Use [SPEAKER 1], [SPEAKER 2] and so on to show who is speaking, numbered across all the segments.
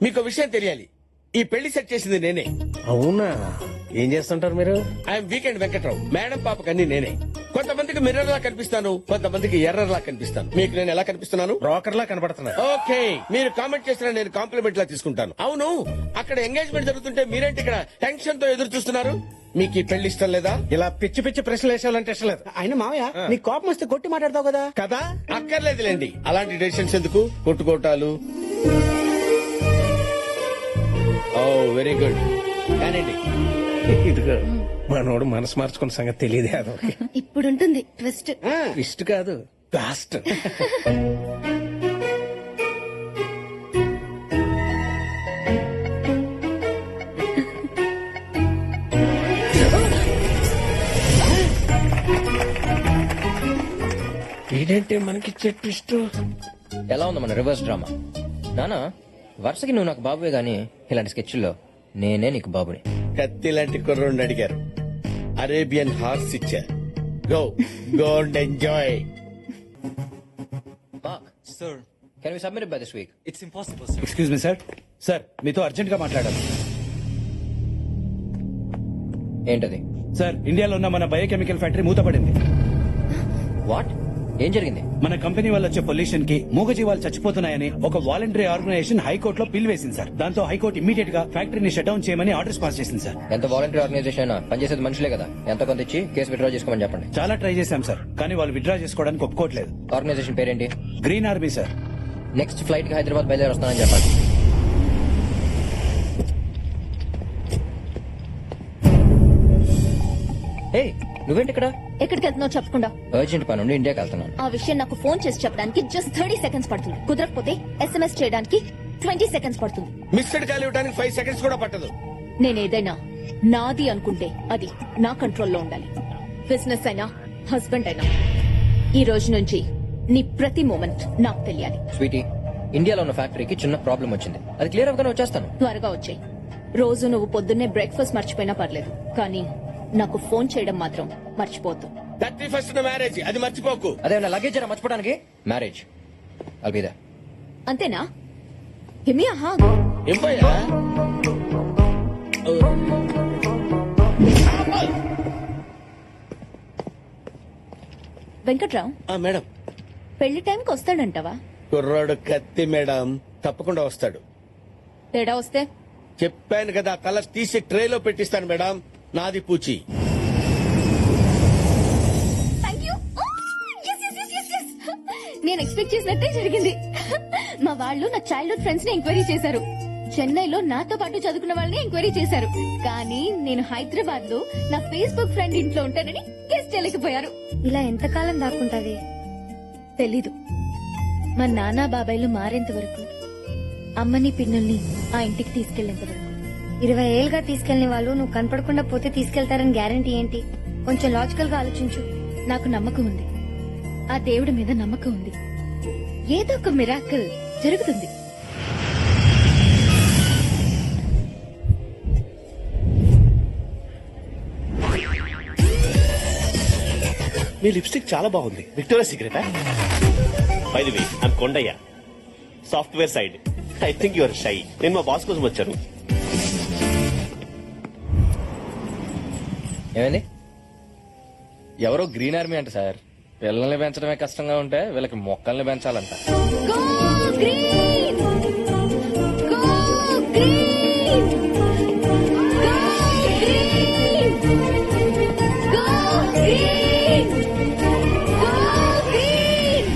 [SPEAKER 1] మీకు విషయం తెలియాలి, ఈ పెళ్లి సెట్ చేసింది నేనే.
[SPEAKER 2] అవునా? ఏం చేస్తుంటారు మీరు?
[SPEAKER 1] I'm weekend Venkatrao. మేడం పాపకి అన్ని నేనే. కొంతమందికి మిర్రర్ లా కనిపిస్తాను, కొంతమందికి ఎర్రర్ లా కనిపిస్తాను. మీకు నేను ఎలా కనిపిస్తున్నాను?
[SPEAKER 2] బ్రోకర్ లా కనపడుతున్నా.
[SPEAKER 1] ఓకే, మీరు కామెంట్ చేసిన నేను కాంప్లిమెంట్ లా తీసుకుంటాను. అవును, అక్కడ ఎంగేజ్మెంట్ జరుగుతుంటే మీరేంటి ఇక్కడ టెన్షన్ తో ఎదురు చూస్తున్నారు? మీకు ఈ పెళ్లి ఇష్టం లేదా?
[SPEAKER 2] ఇలా పిచ్చి పిచ్చి ప్రశ్నలు వేసేవాలంటే ఇష్టం లేదు.
[SPEAKER 3] ఆయన మావయ్య నీ కోపం వస్తే కొట్టి మాట్లాడతావు కదా.
[SPEAKER 2] కదా?
[SPEAKER 1] అక్కర్లేదులేండి, అలాంటి డెసిషన్స్ ఎందుకు, కొట్టుకోటాలు. ఓ వెరీ గుడ్, కానండి.
[SPEAKER 2] ఇదిగో మనోడు మనసు మార్చుకున్న సంగతి తెలియదు. అదొక
[SPEAKER 4] ఇప్పుడుంటుంది ట్విస్ట్.
[SPEAKER 2] ఇష్ట కాదు, లాస్ట్. ఏంటంటే మనకిచ్చే ట్విస్ట్.
[SPEAKER 5] ఎలా ఉంది మన రివర్స్ డ్రామా? నానా వరుసకి నువ్వు నాకు బాబువే గానీ ఇలాంటి స్కెచ్ల్లో నేనే నీకు బాబుని.
[SPEAKER 1] కత్తి లాంటి కుర్రోడిని అడిగారు, అరేబియన్ హార్స్ ఇచ్చారు. Go go and enjoy.
[SPEAKER 5] Mark sir, can we submit by this week?
[SPEAKER 6] It's impossible sir.
[SPEAKER 3] Excuse me sir. Sir మీతో అర్జెంట్ గా మాట్లాడాలి.
[SPEAKER 5] ఏంటది?
[SPEAKER 3] సార్ ఇండియాలో ఉన్న మన బయోకెమికల్ ఫ్యాక్టరీ మూతపడింది.
[SPEAKER 5] వాట్? ఏం జరిగింది?
[SPEAKER 3] మన కంపెనీ వల్ల వచ్చే పొల్యూషన్ కి మూగజీవాలు చచ్చిపోతున్నాయని ఒక వాలంటరీ ఆర్గనైజేషన్ హైకోర్టులో పిల్ వేసింది సార్. దాంతో హైకోర్టు ఇమీడియట్ గా ఫ్యాక్టరీని షట్ డౌన్ చేయమని ఆర్డర్స్ పాస్ చేసింది సార్.
[SPEAKER 5] ఎంత వాలంటీర్ ఆర్గనైజేషన్ అయినా పనిచేసేది మనుషులే కదా. ఎంత కొంత ఇచ్చి కేసు విత్డ్రా చేసుకోమని చెప్పండి.
[SPEAKER 3] చాలా ట్రై చేశాం సార్, కానీ వాళ్ళు విత్డ్రా చేసుకోవడానికి ఒప్పుకోవట్లేదు.
[SPEAKER 5] ఆర్గనైజేషన్ పేరేంటి?
[SPEAKER 3] Green army sir.
[SPEAKER 5] Next flight కి హైదరాబాద్ బయలుదేరి వస్తానని చెప్పండి. ఏ నువ్వేంటి ఇక్కడ?
[SPEAKER 4] ఎక్కడికి వెళ్తున్నావు చెప్పకుండా?
[SPEAKER 5] అర్జెంట్ పని ఉండి ఇండియాకి వెళ్తున్నాను.
[SPEAKER 4] ఆ విషయం నాకు ఫోన్ చేసి చెప్పడానికి జస్ట్ 30 సెకండ్స్ పడుతుంది. కుదరకపోతే SMS చేయడానికి 20 సెకండ్స్ పడుతుంది.
[SPEAKER 1] మిస్డ్ కాల్ ఇవ్వడానికి 5 సెకండ్స్ కూడా పట్టదు.
[SPEAKER 4] నేనేదైనా నాది అనుకుంటే అది నా కంట్రోల్లో ఉండాలి. బిజినెస్ అయినా హస్బెండ్ అయినా ఈ రోజు నుంచి నీ ప్రతి మూమెంట్ నాకు తెలియాలి.
[SPEAKER 5] స్వీటీ, ఇండియాలో ఉన్న ఫ్యాక్టరీకి చిన్న ప్రాబ్లం వచ్చింది. అది క్లియర్ అవ్వగానే వచ్చేస్తాను.
[SPEAKER 4] త్వరగా వచ్చాయి. రోజు నువ్వు పొద్దున్నే బ్రేక్ఫాస్ట్ మర్చిపోయినా పర్లేదు, కానీ నాకు ఫోన్ చేయడం మాత్రం మర్చిపోద్దు.
[SPEAKER 1] 31st మ్యారేజ్, అది మర్చిపోకు.
[SPEAKER 5] అదే లగేజ్ మర్చిపోవడానికి మ్యారేజ్ అల్బిదా.
[SPEAKER 4] అంతేనా? హిమి ఆహా.
[SPEAKER 1] ఏం పోయా?
[SPEAKER 4] వెంకట్రావు,
[SPEAKER 1] మేడం,
[SPEAKER 4] పెళ్లి టైంకి వస్తాడంటావా?
[SPEAKER 1] కుర్రాడు కత్తి మేడం, తప్పకుండా వస్తాడు.
[SPEAKER 4] తేడా వస్తే
[SPEAKER 1] చెప్పాను కదా, తల తీసి ట్రేలో పెట్టిస్తాను మేడం. నాది పూచి.
[SPEAKER 4] నేను ఎక్స్పెక్ట్ చేసినట్టే జరిగింది. మా వాళ్ళు నా చైల్డ్హుడ్ ఫ్రెండ్స్ ని ఎంక్వైరీ చేశారు. చెన్నైలో నాతో పాటు చదువుకున్న వాళ్ళని ఎంక్వైరీ చేశారు. కానీ నేను హైదరాబాద్ లో నా ఫేస్బుక్ ఫ్రెండ్ ఇంట్లో ఉంటానని గెస్ట్ చేయలేకపోయారు.
[SPEAKER 7] ఇలా ఎంతకాలం దాక్కుంటాది
[SPEAKER 4] తెలీదు. మా నాన్న బాబాయ్లు మారేంత వరకు, అమ్మని పిన్నుల్ని ఆ ఇంటికి తీసుకెళ్లేంత వరకు.
[SPEAKER 7] 20 ఏళ్ళుగా తీసుకెళ్లిన వాళ్ళు నువ్వు కనపడకుండా పోతే తీసుకెళ్తారని గ్యారంటీ ఏంటి? కొంచెం లాజికల్ గా ఆలోచించు.
[SPEAKER 4] నాకు నమ్మకం ఉంది, ఆ దేవుడి మీద నమ్మకం ఉంది. ఏదో ఒక మిరాకిల్ జరుగుతుంది.
[SPEAKER 8] మీ లిప్స్టిక్ చాలా బాగుంది. విక్టోరియా సీక్రెటా? By the way, I'm Kondayya, software side. I think your shy. నేను మా బాస్ కోసం వచ్చాను.
[SPEAKER 5] ఏమైంది? ఎవరో గ్రీన్ ఆర్మీ అంట సార్. పిల్లల్ని పెంచడమే కష్టంగా ఉంటే వీళ్ళకి మొక్కల్ని పెంచాలంట.
[SPEAKER 4] Go green! Go green! Go green! Go green! Go green!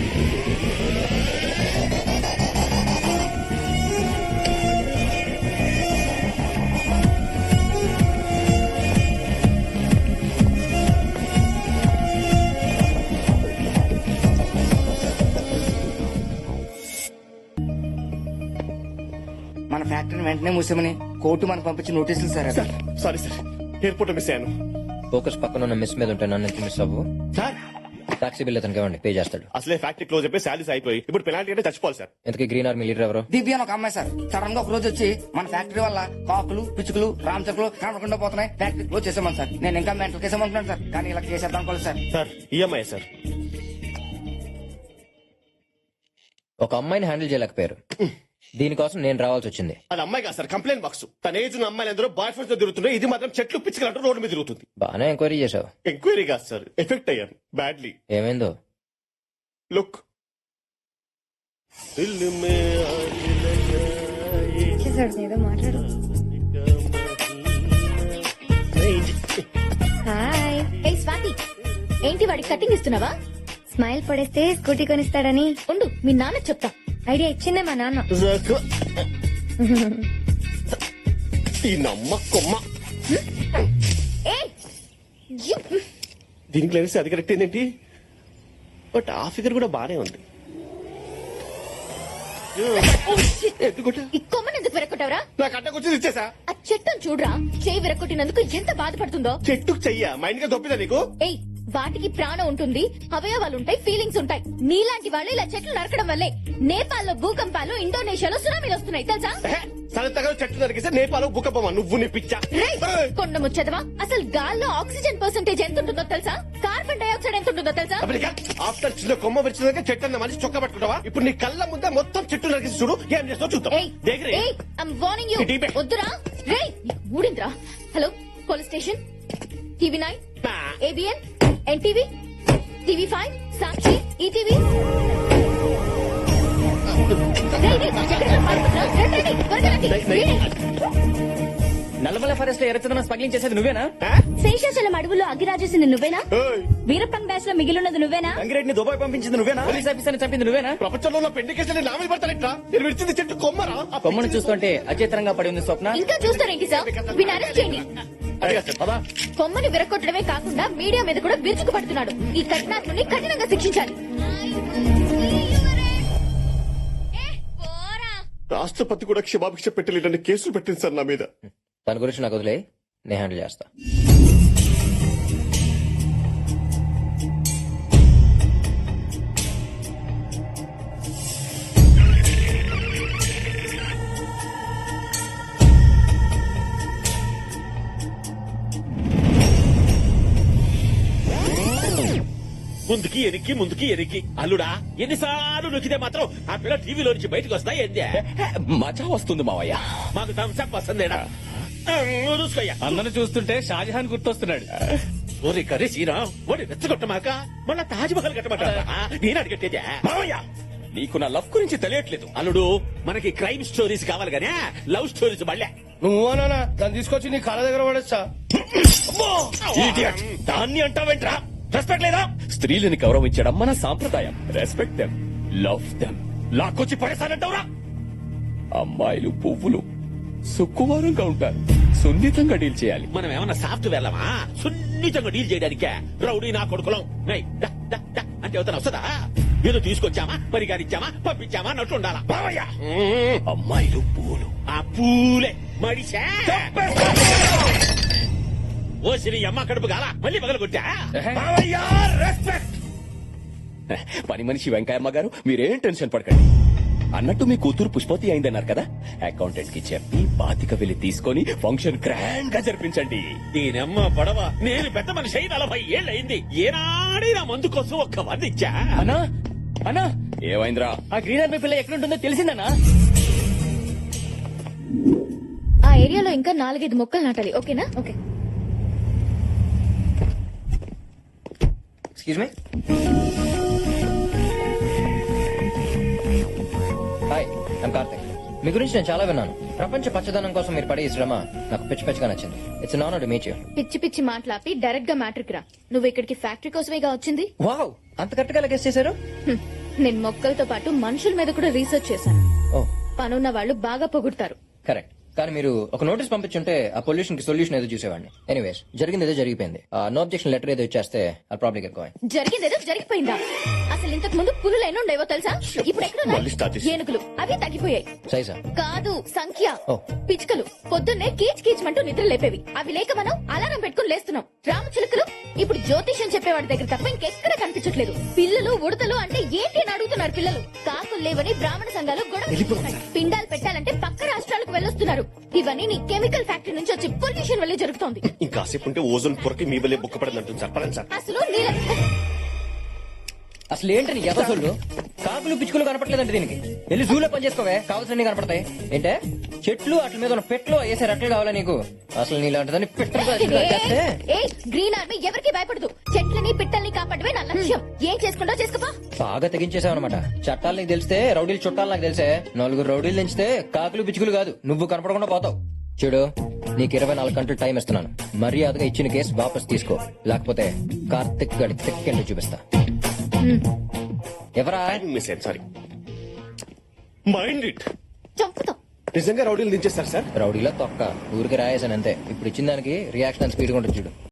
[SPEAKER 9] మన ఫ్యాక్టరీని వెంటనే మూసామని కోర్టు మనకు పంపించి నోటీసులు sir.
[SPEAKER 8] Sorry sir, airport miss అయ్యాను.
[SPEAKER 5] ఫోకస్ పక్కన ఉన్న మిస్ మీద ఉంటే నన్ను ఎందుకు మిస్ అవ్వు?
[SPEAKER 8] సార్
[SPEAKER 5] టాక్సీ బిల్ అతనికి ఇవ్వండి, పే చేస్తాడు.
[SPEAKER 8] అసలే ఫ్యాక్టరీ క్లోజ్ అయిపోయి శాలరీస్ అయిపోయి ఇప్పుడు పెనాల్టీ అంటే చచ్చిపోవాలి సార్.
[SPEAKER 5] ఇంతకీ గ్రీన్ ఆర్మీ లీడర్ ఎవరు?
[SPEAKER 9] దివ్య అని ఒక అమ్మాయి సార్. సడన్ గా ఒక రోజు వచ్చి మన ఫ్యాక్టరీ వల్ల కాకులు, పిచ్చుకలు, రామచకులు కనపడకుండా పోతున్నాయి, ఫ్యాక్టరీ క్లోజ్ చేసామని సార్. నేను ఇంకా మెంటల్ కేసేమంటున్నాను సార్, కానీ ఇలా కేసేద్దాం అనుకోలేదు సార్.
[SPEAKER 8] Sir EMI sir.
[SPEAKER 5] ఒక అమ్మాయిని హ్యాండిల్ చేయలేకపోయారు, దీనికోసం నేను రావాల్సి వచ్చింది.
[SPEAKER 8] అది అమ్మాయి కాదు సార్, కంప్లైంట్ బాక్స్. తన ఏజ్ ఉన్న అమ్మాయిలు అందరూ బాయ్ ఫ్రెండ్స్ తో తిరుగుతున్నాయి, ఇది మాత్రం చెట్లు పిచ్చుకలంటూ రోడ్డు మీద తిరుగుతుంది.
[SPEAKER 5] బాగానే ఎంక్వైరీ చేసావు.
[SPEAKER 8] ఎంక్వైరీ కాదు సార్, ఎఫెక్ట్ అయ్యాను బ్యాడ్లీ.
[SPEAKER 5] ఏమైందో?
[SPEAKER 8] లుక్
[SPEAKER 7] చేశాడు ఏదో మాట్లాడు. హాయ్.
[SPEAKER 4] ఏ స్వాతి, ఏంటి వాడికి కటింగ్ ఇస్తున్నావా?
[SPEAKER 7] స్మైల్ పడేస్తే స్కూటీ కొనిస్తాడని
[SPEAKER 4] ఉండు, మీ నాన్న చెప్తా.
[SPEAKER 7] ఐడియా ఇచ్చిందే మా నాన్న.
[SPEAKER 8] ఈ నమ్మ కొమ్మ
[SPEAKER 4] ఏ యు-
[SPEAKER 8] దీనికి లేని అది కరెక్ట్ ఏంటి, బట్ ఆ ఫిగర్ కూడా బానే ఉంది. ఎందుకుంటా
[SPEAKER 4] ఈ కొమ్మని ఎందుకు విరక్కొట్టావరా?
[SPEAKER 8] నాకు అడ్డకొచ్చింది ఇచ్చేసా.
[SPEAKER 4] ఆ చెట్టును చూడరా, చేయి విరక్కొట్టినందుకు ఎంత బాధపడుతుందో.
[SPEAKER 8] చెట్టుకు చెయ్య మైండ్ గా దొప్పిదా నీకు?
[SPEAKER 4] ఏయ్, వాటికి ప్రాణం ఉంటుంది, అవయవాలు ఉంటాయి, ఫీలింగ్స్ ఉంటాయి. నీలాంటి వాళ్ళు ఇలా చెట్లు నరకడం వల్లే నేపాల్లో భూకంపాలు, ఇండోనేషియాలో సునామీలు వస్తున్నాయి తెలుసా?
[SPEAKER 8] సరతగా చెట్లు నరికిస్తే నేపాలు భూకంపమా? నువ్వు నీ పిచ్చా.
[SPEAKER 4] రేయ్, కొండ ముచ్చదవా, అసలు గాల్లో ఆక్సిజన్ పర్సెంటేజ్ ఎంత ఉంటుందో తెలుసా? కార్బన్ డైఆక్సైడ్ ఎంత ఉంటుందో తెలుసా?
[SPEAKER 8] ఆఫ్టర్ చిన్న కొమ్మ విరిచినాక చెట్టు అన్న మనిషి చొక్క పట్టుకుంటావా? ఇప్పుడు నీ కళ్ళ ముందే మొత్తం చెట్టు నరికిసి చూడు, ఏం చేస్తావు చూద్దాం.
[SPEAKER 4] ఏయ్,
[SPEAKER 8] దగ్గరే.
[SPEAKER 4] ఏయ్, I'm warning you.
[SPEAKER 8] ఇటీపే.
[SPEAKER 4] వద్దురా. రేయ్, ఊడింద్రా. Hello, police station, TV9, ABN, NTV, TV5, Sakshi, ETV.
[SPEAKER 5] Nallamala forest లో ఎర్రచందనం స్మగ్లింగ్ చేసేది నువ్వేనా?
[SPEAKER 4] శేషాచలం అడవుల్లో అగ్గిరాజేసింది నువ్వేనా?
[SPEAKER 8] ఏయ్,
[SPEAKER 4] వీరప్పన్ బ్యాచ్ లో మిగిలినది నువ్వేనా?
[SPEAKER 5] గంగిరెడ్డిని దుబాయ్ పంపించింది నువ్వేనా? పోలీస్ ఆఫీసర్ చంపింది నువ్వేనా?
[SPEAKER 8] ప్రపంచంలో ఉన్న పెండి కేసులు నా మీద పడతానట్రా? నేను విడిచింది చెట్టు కొమ్మరా?
[SPEAKER 5] కొమ్మను చూస్తుంటే అచేతనంగా పడి ఉంది స్వప్న.
[SPEAKER 4] ఇంకా చూస్తారేంటి సార్? వీడిని అరెస్ట్ చేయండి.
[SPEAKER 8] అడిగా సార్, పదా.
[SPEAKER 4] కొమ్మని విరగొట్టడమే కాకుండా మీడియా మీద కూడా విరుచుకు పడుతున్నాడు. ఈ కఠినాత్ముని కఠినంగా శిక్షించాలి.
[SPEAKER 8] రాష్ట్రపతి కూడా క్షమాభిక్ష పెట్టలేదని కేసులు పెట్టింది సార్ నా మీద.
[SPEAKER 5] దాని గురించి నాకు వదిలే, నేను హ్యాండిల్ చేస్తా.
[SPEAKER 6] ముందుకి ఎనికి ముందుకి ఎనికి అల్లుడా, ఎన్నిసార్లు నొక్కితే మాత్రం ఆ పిల్ల టీవీలో నుంచి బయటకు వస్తా ఏందే?
[SPEAKER 3] మజా వస్తుంది మావయ్య.
[SPEAKER 6] మాకు థమ్స్అప్ వస్తుందేడా? చూసుకోయ్యా.
[SPEAKER 3] అందరూ చూస్తుంటే షాజహాన్ గుర్తొస్తున్నాడు.
[SPEAKER 6] ఓరి కర్రీ శ్రీరామ్, ఓడి రెచ్చగొట్టమాక మళ్ళా తాజ్ మహల్ కట్టమంటారా? నేను అడిగట్టేదే
[SPEAKER 3] మావయ్య, నీకు నా లవ్ గురించి తెలియట్లేదు.
[SPEAKER 6] అల్లుడు. మనకి క్రైమ్ స్టోరీస్ కావాలి గానే లవ్ స్టోరీస్ మళ్ళా.
[SPEAKER 2] నువ్వు అనా దాన్ని తీసుకొచ్చి నీ కాళ్ళ దగ్గర పడేస్తా.
[SPEAKER 3] Idiot. దాన్ని అంటావేంట్రా? రెస్పెక్ట్ లేదా? స్త్రీలని గౌరవించడం మన సాంప్రదాయం. Respect them, love them. లాక్కొచ్చి పడేసానంటావురా? అమ్మాయిలు పువ్వులు సుక్కువారంగా ఉంటారు, సున్నితంగా డీల్ చేయాలి.
[SPEAKER 6] మనం ఏమన్నా సాఫ్ట్వేర్ లమా సున్నితంగా డీల్ చేయడానికే? రౌడీ నా కొడుకులం. ఏయ్, డా, డా, డా అంటే అవుతాను వస్తుందా? ఏదో తీసుకొచ్చామా, పరిగారిచ్చామా, పంపించామా అన్నట్టు ఉండాలా?
[SPEAKER 3] మావయ్య, అమ్మాయిలు పువ్వులు.
[SPEAKER 6] ఆ పూలే మడిసా ఓ శ్రీ అమ్మ కడుపు గాల మళ్ళీ పగలు కొట్టా.
[SPEAKER 3] మావయ్య, రెస్పెక్ట్. పని మనిషి వెంకయ్యమ్మ గారు, మీరేం టెన్షన్ పడకండి. అన్నట్టు మీ కూతురు పుష్పతి అయిందన్నారు కదా, అకౌంటెంట్ కి చెప్పి బాతిక వెళ్లి తీసుకొని ఫంక్షన్ గ్రాండ్ గా జరిపించండి.
[SPEAKER 6] దీనమ్మ పడవ, నేను పెద్ద మనిషి అయి 40 ఏళ్ళు అయింది. ఏనాడే నా మందు కోసం ఒక్క వంద ఇచ్చా.
[SPEAKER 5] అన్నా అన్నా,
[SPEAKER 3] ఏమైందిరా?
[SPEAKER 5] ఆ గ్రీన్ ఆర్మీ పిల్ల ఎక్కడుంటుందో తెలిసిందన్నా?
[SPEAKER 4] ఆ ఏరియాలో ఇంకా 4-5 మొక్కలు నాటాలి. ఓకేనా? Okay.
[SPEAKER 5] Excuse me. Hi, I'm Karthik. మీ గురించి నేను చాలా విన్నాను. ప్రపంచ పచ్చదనం కోసం మీరు పడే ఈ శ్రమ నాకు పిచ్చి పిచ్చిగా నచ్చింది. It's an honour to meet you.
[SPEAKER 4] పిచ్చి పిచ్చి మాట్లాపి డైరెక్ట్ గా మ్యాట్రిక్ రా. నువ్వు ఇక్కడికి ఫ్యాక్టరీ కోసమేగా వచ్చింది.
[SPEAKER 5] వావ్, అంత కరెక్ట్ గా గెస్ చేశారు.
[SPEAKER 4] హ్మ్. నేను మొక్కలతో పాటు మనుషుల మీద కూడా రీసెర్చ్ చేశాను.
[SPEAKER 5] ఓ,
[SPEAKER 4] పనున్న వాళ్ళు బాగా పొగుడతారు.
[SPEAKER 5] కరెక్ట్. కానీ మీరు ఒక నోటీస్ పంపించుంటే ఆ పొల్యూషన్ కి సొల్యూషన్ ఏదో చూసేవాడిని. ఎనీవేస్, జరిగింది ఏదో జరిగిపోయింది. నో అబ్జెక్షన్ లెటర్ ఏదో ఇచ్చేస్తే ఆ ప్రాబ్లం ఎక్కువ.
[SPEAKER 4] జరిగిందేదో జరిగిపోయిందా? అసలు ఇంతకు ముందు పులులు ఎన్ని ఉండేవో తెలుసా? ఇప్పుడు
[SPEAKER 8] మళ్ళీ start
[SPEAKER 4] ఎక్కడ
[SPEAKER 8] చేసి.
[SPEAKER 4] ఏనుగులు అవి తగ్గిపోయాయి.
[SPEAKER 5] సైజా?
[SPEAKER 4] కాదు, సంఖ్య.
[SPEAKER 5] ఓ.
[SPEAKER 4] పిచ్చుకలు పొద్దున్నే కీచ్ కీచ్మంటూ నిద్ర లేపేవి. అవి లేక మనం అలారం పెట్టుకుని లేస్తున్నాం. రామచిలుకలు ఇప్పుడు జ్యోతిష్యం చెప్పేవాడి దగ్గర తప్ప ఇంకెక్కడ కనిపించట్లేదు. పిల్లలు ఉడతలు అంటే ఏంటి అని అడుగుతున్నారు పిల్లలు. కాకులు లేవని బ్రాహ్మణ సంఘాలు గొడవ చేస్తున్నాయి. పిండాలు పెట్టాలంటే పక్క రాష్ట్రాలకు వెళ్ళొస్తున్నారు. ఇవన్నీ నీ కెమికల్ ఫ్యాక్టరీ నుంచి వచ్చి పొల్యూషన్ వల్లే జరుగుతోంది.
[SPEAKER 8] ఇంకాసేపు ఉంటే ఓజోన్ పొరకి మీ వల్లే బుక్కపడింది అంటుంది సార్. పదండి సార్.
[SPEAKER 4] అసలు నీళ్ళ
[SPEAKER 5] అసలు ఏంటని ఎవసొల్లు? కాదు కాకులు పిచ్చుకలు కనపట్లేదంటే దీనికి వెళ్ళి జూలో పని చేసుకోవే కావాల్సినవి కనపడతాయి ఏంటే చెట్లు అట్ల మీద ఉన్న పెట్లు వేసే రెట్లు కావాలా నీకు అసలు నీలాంటిదని పెట్టలు చేస్తే
[SPEAKER 4] ఏ గ్రీన్ ఆర్మీ ఎవరికి భయపడదు చెట్లని పిట్టల్ని కాపాడమే నా లక్ష్యం ఏం చేసుకుంటో చేసుకోపా
[SPEAKER 5] బాగా తెగించేసావు అనమాట చట్టాలు నీకు తెలిస్తే రౌడీలు చుట్టాలు నాకు తెలిసే 4 రౌడీలు తెంచితే కాకులు పిచ్చుకలు కాదు నువ్వు కనపడకుండా పోతావు చూడు నీకు 24 గంటలు టైం ఇస్తున్నాను మర్యాదగా ఇచ్చిన కేసు వాపస్ తీసుకో లేకపోతే కార్తిక్ గడి తెక్కెండు చూపిస్తా ఎవరా
[SPEAKER 8] మిస్ అయ్యాను సారీ మైండ్ ఇట్
[SPEAKER 4] చంపుతాం
[SPEAKER 8] నిజంగా రౌడీలు దించేస్తారు సార్
[SPEAKER 5] రౌడీలో తొక్క ఊరికి రాయేసాను అంతే ఇప్పుడు ఇచ్చిన దానికి రియాక్షన్ స్పీడ్ ఉంటుంది చూడు